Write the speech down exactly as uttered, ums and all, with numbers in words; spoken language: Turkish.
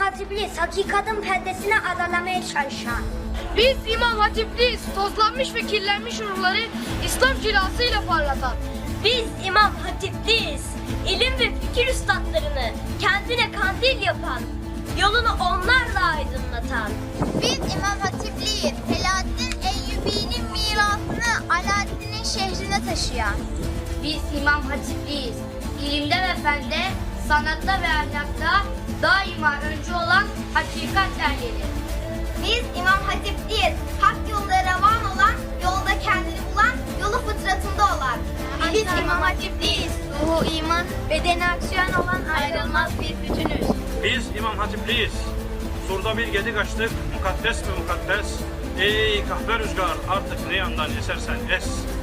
Hatipliyiz, hakikatin perdesine adalamaya çalışan. Biz İmam Hatipliyiz, tozlanmış ve kirlenmiş ruhları İslam cilasıyla parlatan. Biz İmam Hatipliyiz, ilim ve fikir üstadlarını kendine kandil yapan, yolunu onlarla aydınlatan. Biz İmam Hatipliyiz, Selahaddin Eyyubi'nin mirasını Alaaddin'in şehrine taşıyan. Biz İmam Hatipliyiz, ilimde ve fende, sanatta ve ahlakta daima öncü olan hakikat erleri. Biz İmam Hatipliyiz, hak yolda revan olan, yolda kendini bulan, yolu fıtratında olan. Biz İmam Hatipliyiz, ruhu iman, bedeni aksiyon olan ayrılmaz bir bütünüz. Biz İmam Hatipliyiz. Surda bir gedik açtık, mukaddes mi mukaddes? Ey kahve rüzgar, artık ne yandan esersen es.